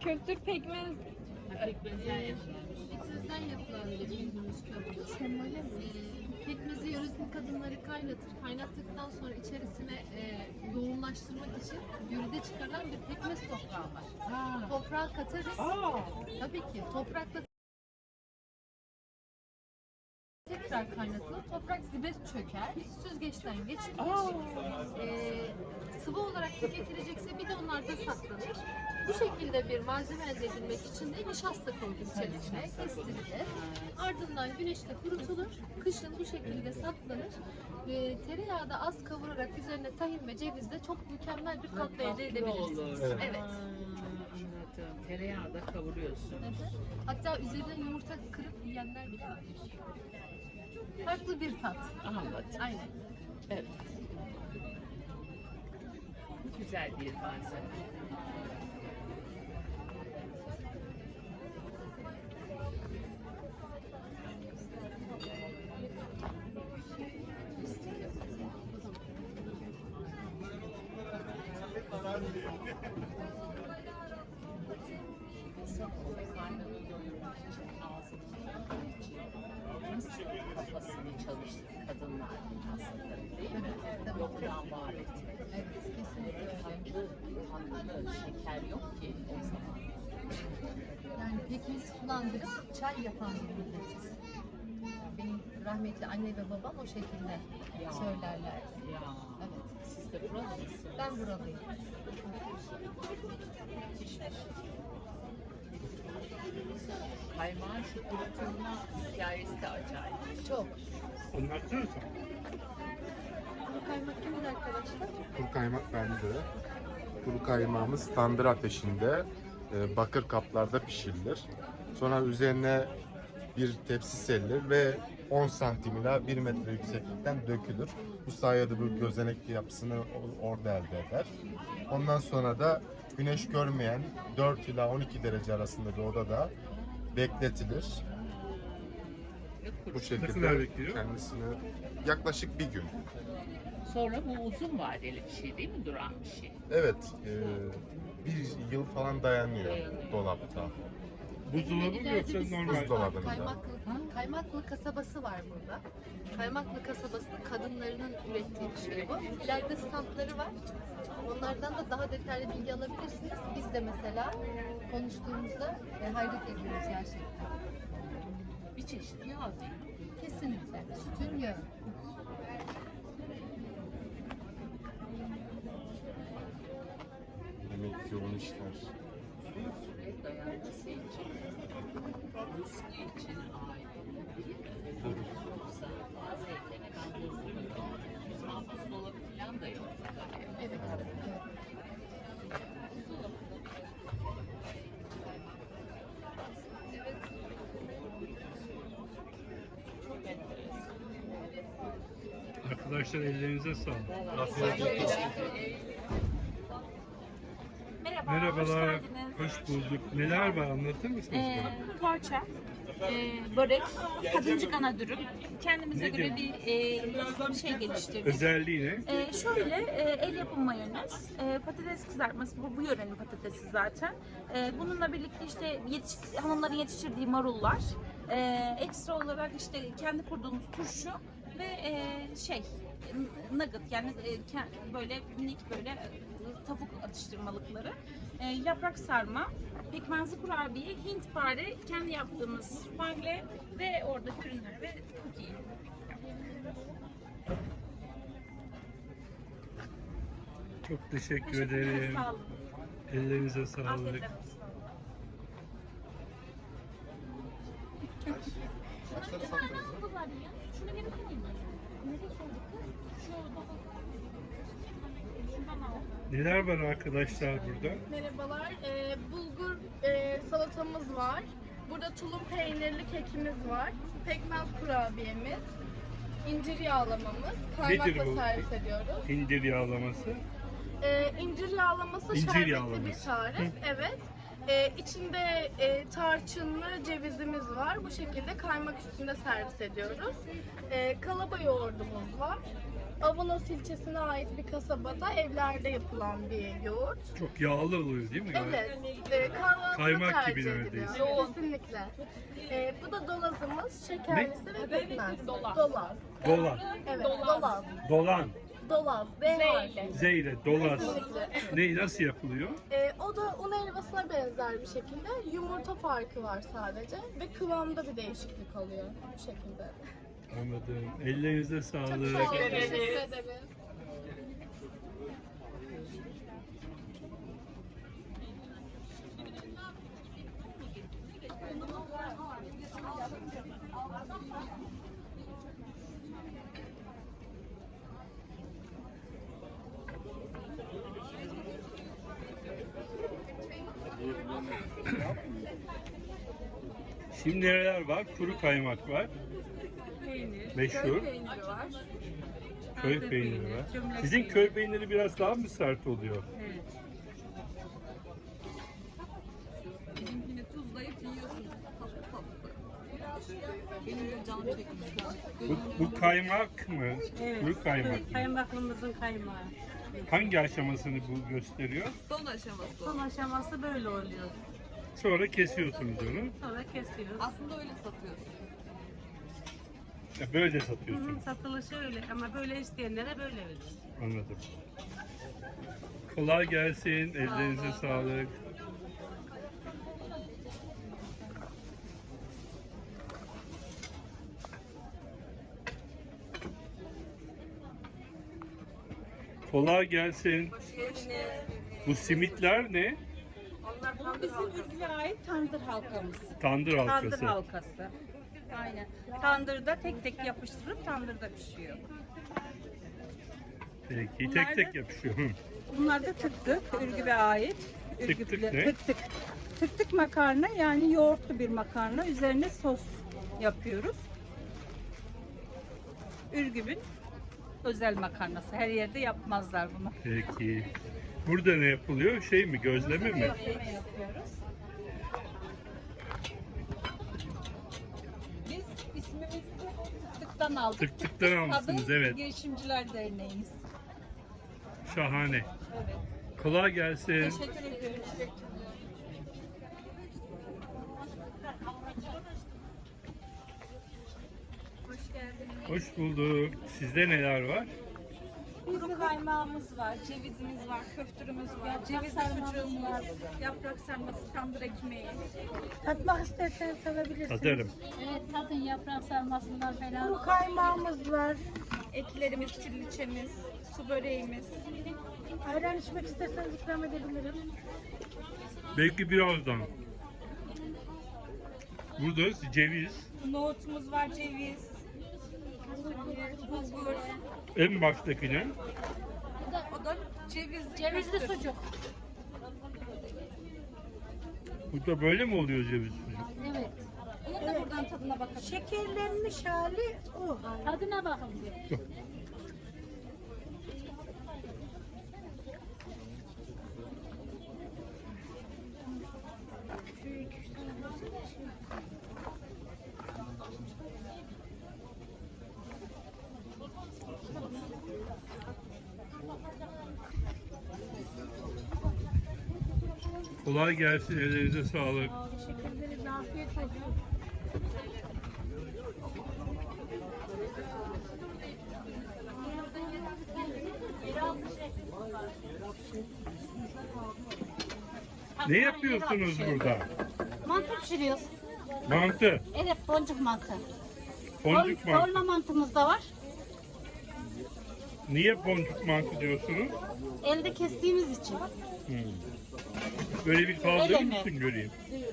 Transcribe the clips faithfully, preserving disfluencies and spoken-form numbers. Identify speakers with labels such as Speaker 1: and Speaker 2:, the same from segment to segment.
Speaker 1: Kültür pekmez.
Speaker 2: Pekmezden yapılan.
Speaker 3: Pekmezden yapılan bir bildiğimiz köfte. Ee, Pekmezi yöresel kadınları kaynatır. Kaynattıktan sonra içerisine e, yoğunlaştırmak için yörede çıkarılan bir pekmez toprağı var.
Speaker 2: Ha.
Speaker 3: Toprağa katarız.
Speaker 2: Aa.
Speaker 3: Tabii ki toprakla tekrar kaynatılır. Toprak dibe çöker. Süzgeçten geçirilir.
Speaker 2: Aa.
Speaker 3: Ee, sıvı olarak tüketilecekse bir de onlarda saklanır. Bu şekilde bir malzeme elde edilmek için de nişasta konulur içerisine, kestirilir. Ardından güneşte kurutulur. Kışın bu şekilde saklanır. Ee, tereyağı da az kavurarak üzerine tahin ve cevizle çok mükemmel bir tatlı elde edebilirsiniz.
Speaker 2: Olur.
Speaker 3: Evet.
Speaker 2: Evet. Aa, anladım. Tereyağı da kavuruyorsun.
Speaker 3: Evet. Hatta üzerine yumurta kırıp yiyenler bile var. Farklı bir tat.
Speaker 2: Anladım.
Speaker 3: Aynen.
Speaker 2: Evet. Güzel bir malzeme. Karnını doyurmak için, ağzını doyurmak için nasıl kafasını çalıştı kadınlar aslında, değil mi? Yoktan var etmek.
Speaker 3: Evet, kesinlikle öyle.
Speaker 2: Tatlı, tatlı da şeker yok ki o zaman.
Speaker 3: Yani pekmezi sulandırıp çay yapan bir milletiz. Benim rahmetli anne ve babam o şekilde
Speaker 2: Ya.
Speaker 3: söylerler.
Speaker 2: Ya,
Speaker 3: Evet.
Speaker 2: siz de buralı mısınız?
Speaker 3: Ben buralıyım.
Speaker 2: Kaymağın şu kurutulma hikayesi de acayip.
Speaker 3: Çok.
Speaker 4: Anlatsana sen.
Speaker 3: Bu kaymak kimin arkadaşlar?
Speaker 5: Kuru kaymak bende. Kuru kaymağımız tandır ateşinde e, bakır kaplarda pişirilir. Sonra üzerine bir tepsi serilir ve on santim ila bir metre yükseklikten dökülür. Bu sayede bu gözenekli yapısını o- orada elde eder. Ondan sonra da güneş görmeyen dört ila on iki derece arasında bir odada bekletilir.
Speaker 2: Ve
Speaker 5: Bu
Speaker 2: kurut.
Speaker 5: şekilde
Speaker 4: kadar bekliyor?
Speaker 5: kendisini yaklaşık bir gün.
Speaker 2: Sonra bu uzun vadeli bir şey değil mi? Duran bir şey.
Speaker 5: Evet, e, bir yıl falan dayanıyor
Speaker 2: Dayanıyor.
Speaker 5: dolapta.
Speaker 4: Buzdolabı mı
Speaker 3: İleride
Speaker 4: yoksa
Speaker 3: bir
Speaker 4: normal?
Speaker 3: spas var.
Speaker 5: Buzdolabında.
Speaker 3: Kaymaklı, Kaymaklı kasabası var burada. Kaymaklı kasabasının kadınlarının ürettiği bir şey bu. İleride standları var. Onlardan da daha detaylı bilgi alabilirsiniz. Biz de mesela konuştuğumuzda e, hayret ediyoruz gerçekten.
Speaker 2: Bir çeşit yağ değil mi?
Speaker 3: Kesinlikle. Sütün yağı.
Speaker 5: Demek yoğun işler.
Speaker 2: Süre dayanması için, rızkı için ailenin değil mi?
Speaker 5: Tabii.
Speaker 2: Yoksa bazı evlere ben bozulmadım. Ama buzdolabı falan da yok.
Speaker 3: Evet. evet.
Speaker 2: Çok enteresan.
Speaker 4: Arkadaşlar ellerinize sağlık.
Speaker 5: Afiyet olsun.
Speaker 1: Merhaba,
Speaker 4: Merhabalar,
Speaker 1: hoş geldiniz.
Speaker 4: hoş bulduk. Neler var anlatır mısınız
Speaker 1: Ee,
Speaker 4: bana?
Speaker 1: poğaça, e, börek, kadıncık ana dürüm. Kendimize
Speaker 4: Nedir?
Speaker 1: göre bir e, şey geliştirdik.
Speaker 4: Özelliği ne?
Speaker 1: Ee, şöyle e, el yapımı mayonez, e, patates kızartması, bu, bu yörenin patatesi zaten. E, bununla birlikte işte yetiş, hanımların yetiştirdiği marullar, e, ekstra olarak işte kendi kurduğumuz turşu ve e, şey nugget, yani e, ke- böyle minik böyle e, tavuk atıştırmalıkları, e, yaprak sarma, pekmezli kurabiye, Hintpare, kendi yaptığımız spangle ve oradaki ürünler ve cookie.
Speaker 4: Çok teşekkür
Speaker 1: Teşekkürler,
Speaker 4: ederim.
Speaker 1: sağ olun.
Speaker 4: Ellerinize sağlık.
Speaker 1: Afiyet olsun.
Speaker 5: Kaçları sattınız?
Speaker 1: Şunu geri koyayım. Nereye koyduk kız? Şu daha. Şundan al.
Speaker 4: Neler var arkadaşlar burada?
Speaker 6: Merhabalar. Ee, bulgur e, salatamız var. Burada tulum peynirli kekimiz var. Pekmez kurabiyemiz. İncir yağlamamız. Kaymakla
Speaker 4: Nedir bu?
Speaker 6: servis ediyoruz.
Speaker 4: İndir yağlaması.
Speaker 6: Ee, incir yağlaması
Speaker 4: İncir
Speaker 6: şerbetli
Speaker 4: yağlaması.
Speaker 6: bir tarif. Evet. Ee, içinde e, tarçınlı cevizimiz var. Bu şekilde kaymak üstünde servis ediyoruz. Ee, kalaba yoğurdumuz var. Avanos ilçesine ait bir kasabada evlerde yapılan bir yoğurt.
Speaker 4: Çok yağlı oluyor değil mi?
Speaker 6: Evet, e, kahvaltıda
Speaker 4: Kaymak gibi
Speaker 6: tercih
Speaker 4: neredeyse.
Speaker 6: ediliyor. Kesinlikle. E, bu da dolazımız, şekerlisi ve pekmez. Dolaz. Dolaz.
Speaker 4: Dolan.
Speaker 6: Evet, dolaz.
Speaker 4: Dolan.
Speaker 6: Dolaz. D harfi.
Speaker 4: Z ile dolaz.
Speaker 6: Kesinlikle.
Speaker 4: Ne nasıl yapılıyor?
Speaker 6: E, o da un helvasına benzer bir şekilde. Yumurta farkı var sadece ve kıvamda bir değişiklik oluyor bu şekilde.
Speaker 4: Anladım. Ellerinize sağlık.
Speaker 6: Sağ olun, teşekkür ederiz.
Speaker 4: Şimdi neler var? Kuru kaymak var.
Speaker 1: Peynir.
Speaker 4: Meşhur.
Speaker 1: Köy peyniri var.
Speaker 4: Köy
Speaker 1: Taze
Speaker 4: peyniri
Speaker 1: peyniri,
Speaker 4: var.
Speaker 1: cömlek
Speaker 4: Sizin
Speaker 1: peyniri.
Speaker 4: köy peyniri biraz daha mı sert oluyor?
Speaker 1: Evet. Bizimkini tuzlayıp yiyorsun. Tatlı tatlı. Benim de canım çekmiş.
Speaker 4: Bu, bu kaymak mı?
Speaker 7: Evet.
Speaker 4: Kuru kaymak mı?
Speaker 7: Kaymaklımızın kaymağı.
Speaker 4: Hangi aşamasını bu gösteriyor?
Speaker 1: Son aşaması.
Speaker 7: Son aşaması böyle oluyor.
Speaker 4: Sonra kesiyorsunuz onu.
Speaker 7: Sonra kesiyoruz.
Speaker 1: Aslında öyle satıyorsun.
Speaker 4: Ya böyle
Speaker 7: Hı hı,
Speaker 4: satıyorsunuz.
Speaker 7: satılışı öyle ama böyle isteyenlere böyle verir.
Speaker 4: Anladım. Kolay gelsin. Ellerinize sağlık. Kolay gelsin. Bu simitler ne?
Speaker 7: Bu bizim ülkeye ait tandır halkamız.
Speaker 4: Tandır halkası.
Speaker 7: Tandır halkası. Aynen. Tandırda tek tek yapıştırıp tandırda pişiyor.
Speaker 4: Peki
Speaker 7: Bunlar
Speaker 4: tek tek
Speaker 7: da-
Speaker 4: yapışıyor. Hı.
Speaker 7: Bunlar da tık tık, Ürgüp'e ait.
Speaker 4: Tık tık
Speaker 7: Ürgüplü-
Speaker 4: ne?
Speaker 7: Tık tık. Tık tık makarna yani yoğurtlu bir makarna. Üzerine sos yapıyoruz. Ürgüp'ün özel makarnası. Her yerde yapmazlar bunu.
Speaker 4: Peki. Burada ne yapılıyor? Şey mi? Gözleme mi?
Speaker 7: Gözleme yapıyoruz. Biz ismimizi tık tıktan aldık.
Speaker 4: Tık tıktan almışsınız,
Speaker 7: Adı
Speaker 4: evet.
Speaker 7: Girişimciler Derneği'yiz.
Speaker 4: Şahane.
Speaker 7: Evet.
Speaker 4: Kolay gelsin.
Speaker 7: Teşekkür ederim.
Speaker 4: Hoş bulduk. Sizde neler var?
Speaker 1: Kuru kaymağımız var, cevizimiz var, köftürümüz var, cevizli sucuğumuz var, yaprak sarması, tandır ekmeği.
Speaker 8: Tatmak isterseniz tadabilirsiniz.
Speaker 4: Tadarım.
Speaker 3: Evet, tadın yaprak sarmasından falan.
Speaker 8: Kuru kaymağımız var.
Speaker 1: Etlerimiz, çilliçemiz, su böreğimiz.
Speaker 8: Ayran içmek isterseniz ikram edebilirim.
Speaker 4: Belki birazdan. Burada ceviz.
Speaker 1: Nohutumuz var, ceviz, bulgur.
Speaker 4: En baştakine.
Speaker 1: O da cevizli,
Speaker 3: Cevizli
Speaker 1: köftür.
Speaker 3: sucuk.
Speaker 4: Burada böyle mi oluyor ceviz sucuk?
Speaker 3: Evet.
Speaker 1: Onun da buradan tadına bakalım.
Speaker 8: Şekerlenmiş hali o.
Speaker 3: Tadına bakın bir.
Speaker 4: Kolay gelsin. Ellerinize sağlık.
Speaker 8: Teşekkür ederiz. Afiyet olsun.
Speaker 4: Ne yapıyorsunuz burada?
Speaker 3: Mantı pişiriyoruz.
Speaker 4: Mantı.
Speaker 3: Evet, boncuk mantı.
Speaker 4: Boncuk
Speaker 3: Dol-
Speaker 4: mantı.
Speaker 3: Dolma mantımız da var.
Speaker 4: Niye boncuk mantı diyorsunuz?
Speaker 3: Elde kestiğimiz için.
Speaker 4: Hmm. Böyle bir kaldırır
Speaker 3: Öyle mi?
Speaker 4: mısın göreyim?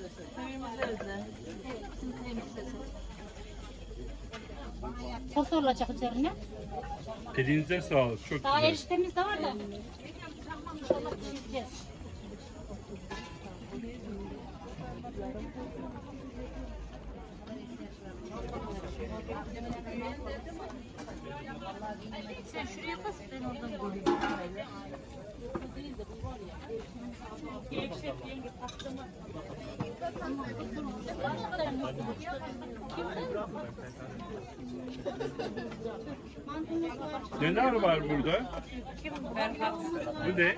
Speaker 3: Bizim kremimiz özel. Sos olacak üzerine.
Speaker 4: Elinize sağlık. Çok
Speaker 3: Daha
Speaker 4: güzel.
Speaker 3: eriştemiz de var da. İnşallah pişireceğiz. Sen şuraya bas, ben oradan göreyim.
Speaker 4: Neler var burada? Bu ne?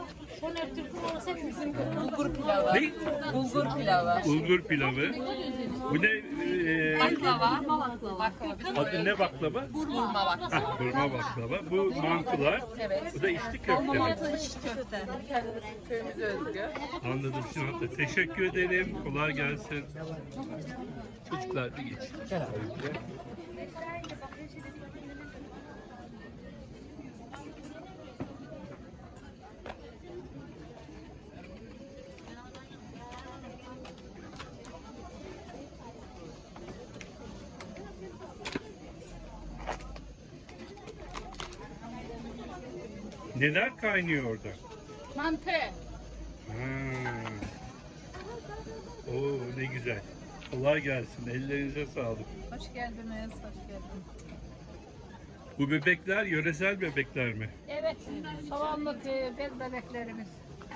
Speaker 2: Bulgur pilavı.
Speaker 4: Ne?
Speaker 2: Bulgur pilavı.
Speaker 4: Bulgur pilavı. Bu ne? E,
Speaker 2: Baklava. Baklava.
Speaker 4: adı ne baklava?
Speaker 2: Burma baklava.
Speaker 4: Ha, burma baklava. Bu mantılar.
Speaker 2: Evet.
Speaker 4: Bu da içli köfte. mi?
Speaker 2: köfte.
Speaker 1: Köyümüze özgü.
Speaker 4: Anladım şimdi. hatta. Teşekkür ederim. Kolay gelsin. Çocuklar bir geç. Neler kaynıyor orada?
Speaker 3: Mantı.
Speaker 4: Ha. Oo ne güzel. Kolay gelsin. Ellerinize sağlık.
Speaker 2: Hoş geldiniz. Hoş geldiniz.
Speaker 4: Bu bebekler yöresel bebekler mi?
Speaker 8: Evet, soğanlık e, bez bebeklerimiz.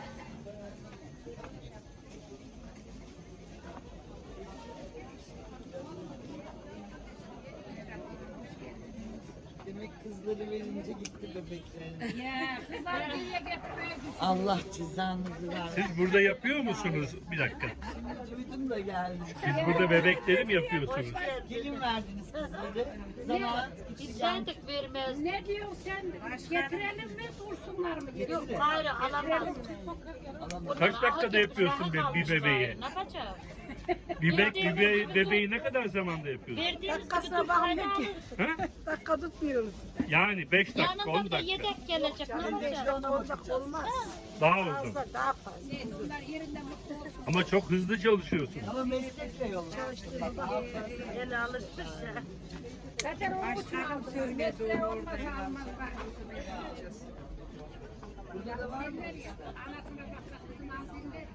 Speaker 9: Demek kızları verince gitti bebeklerin.
Speaker 8: Ya, kızlar geriye getirmeye
Speaker 9: Allah cezanızı versin.
Speaker 4: Siz burada yapıyor musunuz? Bir dakika.
Speaker 9: Duydum da geldim.
Speaker 4: Siz burada bebekleri mi yapıyorsunuz?
Speaker 9: Gelin verdiniz kızları. Zaman
Speaker 8: İstendik vermez. Ne diyorsun sen? Getirelim mi, dursunlar mı? Yok,
Speaker 9: hayır alamam.
Speaker 4: Kaç dakikada yapıyorsun bir, bir bebeği?
Speaker 8: Ne yapacağız?
Speaker 4: Bir bebek, bir be- bebeği ne kadar zamanda yapıyorsun?
Speaker 8: Dakikasına bakmıyor ki.
Speaker 4: Ha?
Speaker 8: Dakika tutmuyoruz.
Speaker 4: Yani beş dakika, on
Speaker 8: Yanında bir de
Speaker 4: dakika.
Speaker 8: yedek gelecek. Ne yapacağız?
Speaker 6: olacak olmaz.
Speaker 4: Daha uzun.
Speaker 6: Daha fazla.
Speaker 8: Bunlar yerinde mutlu.
Speaker 4: Ama çok hızlı çalışıyorsun.
Speaker 9: ama meslekle yol.
Speaker 6: Ele alışmış ya.
Speaker 8: Zaten o bu söyledi olmaz almaz.
Speaker 9: Burada da var mı?
Speaker 8: Anasına bak, kızına alsın de.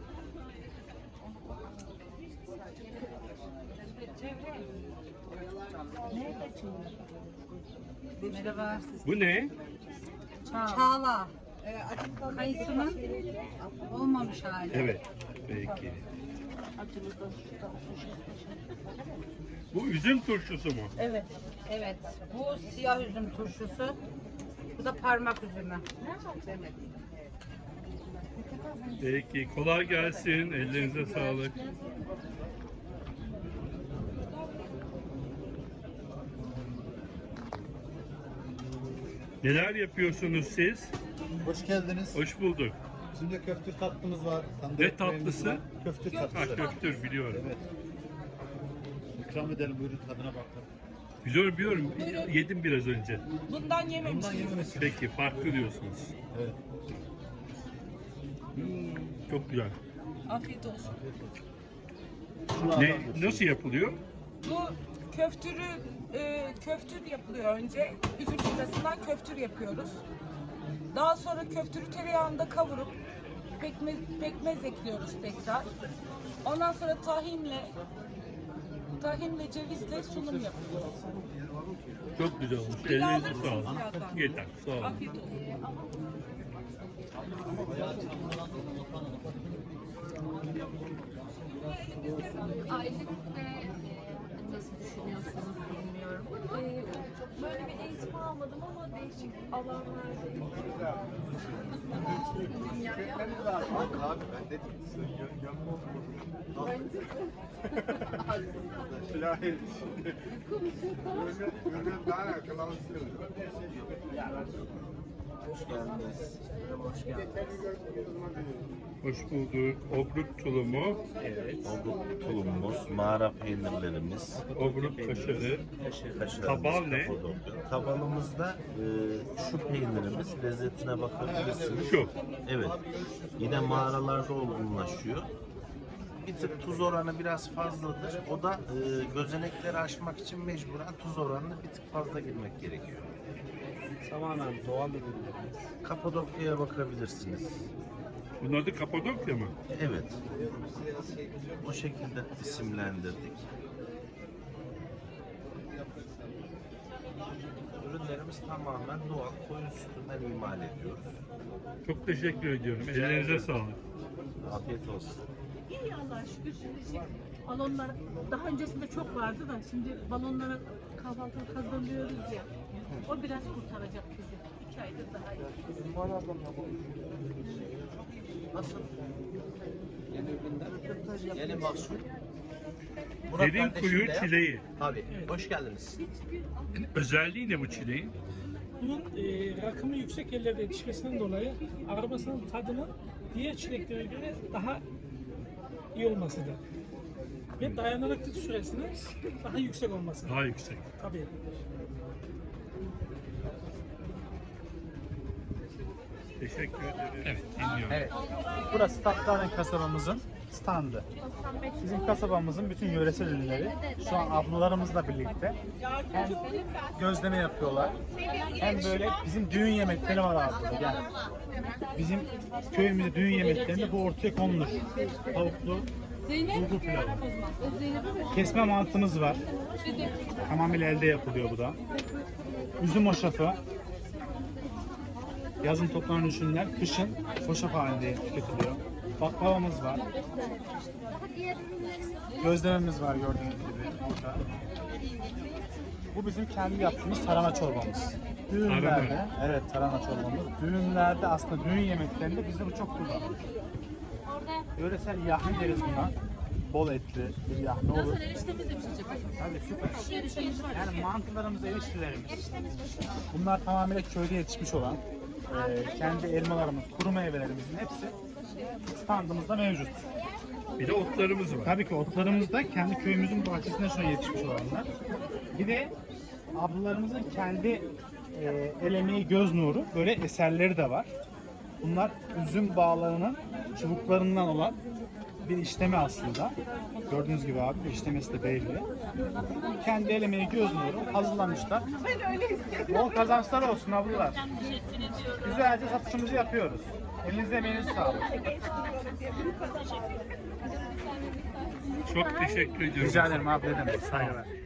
Speaker 7: Merhaba.
Speaker 4: Bu ne?
Speaker 7: Çağla. Kayısının olmamış hali.
Speaker 4: Evet. Peki. Bu üzüm turşusu mu?
Speaker 7: Evet. Evet. Bu siyah üzüm turşusu. Bu da parmak üzümü.
Speaker 4: Peki. Kolay gelsin. Ellerinize sağlık. Neler yapıyorsunuz siz?
Speaker 10: Hoş geldiniz.
Speaker 4: Hoş bulduk.
Speaker 10: Şimdi köftür tatlımız var. tandır
Speaker 4: Ne
Speaker 10: ekmeğimiz
Speaker 4: tatlısı?
Speaker 10: var. Köftür
Speaker 4: Ha,
Speaker 10: tatlısı.
Speaker 4: köftür biliyorum.
Speaker 10: Evet. İkram edelim, buyurun tadına bakın.
Speaker 4: Biliyorum biliyorum. Yedim biraz önce.
Speaker 6: Bundan yememiş.
Speaker 10: Bundan yememişsiniz.
Speaker 4: Peki farklı diyorsunuz.
Speaker 10: Evet.
Speaker 4: Çok güzel.
Speaker 6: Afiyet olsun.
Speaker 10: Şunu
Speaker 4: Ne,
Speaker 10: alalım.
Speaker 4: nasıl yapılıyor?
Speaker 6: Bu köftürü e, köftür yapılıyor önce. Üzüm pizzasından köftür yapıyoruz. Daha sonra köftürü tereyağında kavurup pekmez, pekmez ekliyoruz tekrar. Ondan sonra tahinle tahinle cevizle sunum yapıyoruz.
Speaker 4: Çok güzel olmuş.
Speaker 6: Bir daha
Speaker 4: Ellerinize
Speaker 6: alır
Speaker 4: sağlık.
Speaker 6: mısınız birazdan?
Speaker 4: Yeter. Sağ olun.
Speaker 6: Afiyet olsun.
Speaker 3: Aylık ve nasıl düşünüyorsunuz bilmiyorum ama
Speaker 11: Böyle bir eğitim almadım ama değişik alanlarda
Speaker 5: Abi ben dedim. Yani daha yakın alışıyoruz. Hoş geldiniz. Hoş geldiniz.
Speaker 4: Hoş bulduk. Obruk tulumu,
Speaker 12: Obruk tulumumuz, mağara peynirlerimiz,
Speaker 4: obruk kaşarı,
Speaker 12: kaşarımız,
Speaker 4: Kabal ne?
Speaker 12: kapadokya. Kabalımızda e, şu peynirimiz, lezzetine bakabilirsiniz.
Speaker 4: Şu.
Speaker 12: Evet. Yine mağaralarda olgunlaşıyor. Bir tık tuz oranı biraz fazladır. O da e, gözenekleri aşmak için mecburen tuz oranını bir tık fazla girmek gerekiyor.
Speaker 4: tamamen doğal ürünlerimiz.
Speaker 12: Kapadokya'ya bakabilirsiniz.
Speaker 4: Bunun adı Kapadokya mı?
Speaker 12: Evet. O şekilde isimlendirdik. Ürünlerim ürünlerimiz tamamen doğal koyun sütünden imal ediyoruz.
Speaker 4: Çok teşekkür ediyorum. Ellerinize sağlık.
Speaker 12: Afiyet olsun.
Speaker 8: İyi Allah'a şükür. Şimdi şey, balonlar daha öncesinde çok vardı da şimdi balonlara kahvaltı kazanıyoruz ya. O biraz kurtaracak bizi. İki aydır daha iyi.
Speaker 12: Nasıl? Yeni ürünler, yeni mahsul.
Speaker 4: Derin kuyu çileği.
Speaker 12: Abi, hoş geldiniz.
Speaker 4: Özelliği ne bu çileğin?
Speaker 13: Bunun e, rakımı yüksek yerlerde yetişmesinden dolayı arabasının tadının diğer çileklere göre daha iyi olmasıdır. Ve dayanıklılık süresinin daha yüksek olması.
Speaker 4: Daha yüksek.
Speaker 13: Tabii.
Speaker 4: Teşekkür ederim. Evet, dinliyorum.
Speaker 14: Evet. Burası Tatlaren kasabamızın standı. Bizim kasabamızın bütün yöresel ürünleri şu an ablalarımızla birlikte hem gözleme yapıyorlar hem böyle bizim düğün yemekleri var aslında. Yani bizim köyümüzde düğün yemeklerinde bu ortaya konulur. Tavuklu bulgur pilavı. Kesme mantımız var. Tamamıyla elde yapılıyor bu da. Üzüm hoşafı. Yazın toplanan ürünler kışın hoşaf halinde tüketiliyor. Baklavamız var. Gözlememiz var gördüğünüz gibi burada. Bu bizim kendi yaptığımız tarhana çorbamız. Düğünlerde, evet tarhana çorbamız. Düğünlerde aslında düğün yemeklerinde bizde bu çok kullanılır. Yöresel yahni deriz buna. Bol etli bir yahni olur.
Speaker 3: Nasıl eriştemiz de pişecek?
Speaker 14: Tabii süper.
Speaker 3: Eriştemiz var.
Speaker 14: Yani mantılarımız, eriştelerimiz. Bunlar tamamıyla köyde yetişmiş olan e, kendi elmalarımız, kuru meyvelerimizin hepsi standımızda mevcut.
Speaker 4: Bir de otlarımız var.
Speaker 14: Tabii ki otlarımız da kendi köyümüzün bahçesinden sonra yetişmiş olanlar. Bir de ablalarımızın kendi e, el emeği göz nuru böyle eserleri de var. Bunlar üzüm bağlarının çubuklarından olan bir işleme aslında. Gördüğünüz gibi abi işlemesi de belli. Kendi el emeği göz nuru hazırlamışlar. Bol kazançlar olsun ablalar. Güzelce satışımızı yapıyoruz. Elinize emeğinize sağlık.
Speaker 4: Çok teşekkür ediyorum.
Speaker 14: Rica ederim abi, ne demek. Saygılar.